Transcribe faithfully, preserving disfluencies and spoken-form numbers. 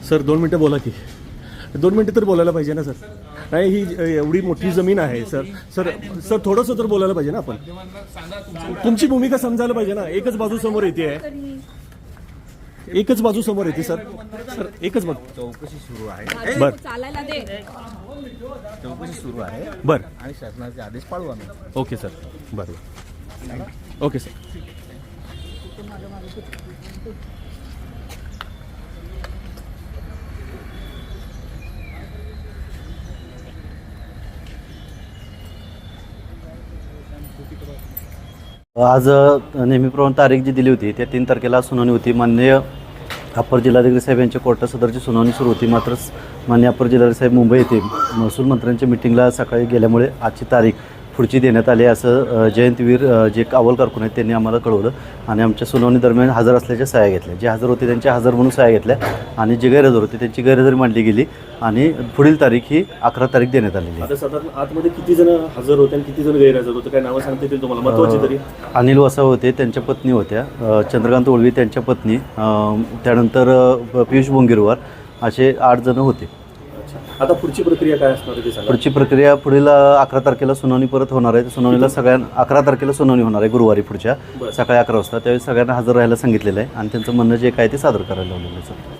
Sir दोन मिनटं बोला की, दोन मिनटं तर बोलायला पाहिजे ना सर. नाही ही एवढी मोठी जमीन आहे सर. सर सर थोडंसं तर बोलायला पाहिजे ना आपण. तुमची भूमिका समजायला पाहिजे ना. एकच बाजू समोर येते आहे, एकच बाजू समोर येते सर. सर एकच बाजू. चौकशी सुरू आहे. बर चालायला दे. चौकशी सुरू आहे. बर आणि शासनाचे आदेश पाळू आम्ही. Okay sir. बरं ओके सर. आज नेहमीप्रमाणे तारीख जी दिली होती त्या तीन तारखेला सुनावणी होती. माननीय अप्पर जिल्हाधिकारी साहेब यांच्या कोर्टात सदरची सुनावणी सुरू होती. मात्र माननीय अप्पर जिल्हाधिकारी साहेब मुंबई येथे महसूल मंत्र्यांच्या मिटिंगला सकाळी गेल्यामुळे आजची तारीख पुढची देण्यात आली असं जयंतवीर जे कावल कारकून आहेत त्यांनी आम्हाला कळवलं. आणि आमच्या सुनावणी दरम्यान हजर असल्याच्या सह्या घेतल्या. जे हजर होते त्यांच्या हजर म्हणून सह्या घेतल्या आणि जे गैरहजर होते त्यांची गैरहजेरी मांडली गेली आणि पुढील तारीख ही अकरा तारीख देण्यात आलेली. आता साधारण आतमध्ये किती जण हजर होते आणि किती जण गैरहजर होते, काय नावं सांगता येतील तुम्हाला महत्त्वाची तरी? अनिल वसाव होते, त्यांच्या पत्नी होत्या चंद्रकांत ओळवी, त्यांच्या पत्नी, त्यानंतर पियुष बोंगिरवार, असे आठ जण होते. आता पुढची प्रक्रिया काय असणार आहे ते सांगा. पुढची प्रक्रिया पुढील अकरा तारखेला सुनावणी परत होणार आहे. सुनावणीला सगळ्यांना अकरा तारखेला सुनावणी होणार आहे गुरुवारी पुढच्या सकाळी अकरा वाजता. त्यावेळी सगळ्यांना हजर राहायला सांगितलेलं आहे आणि त्यांचं म्हणणं जे काय ते सादर करायला लावलेलं आहे.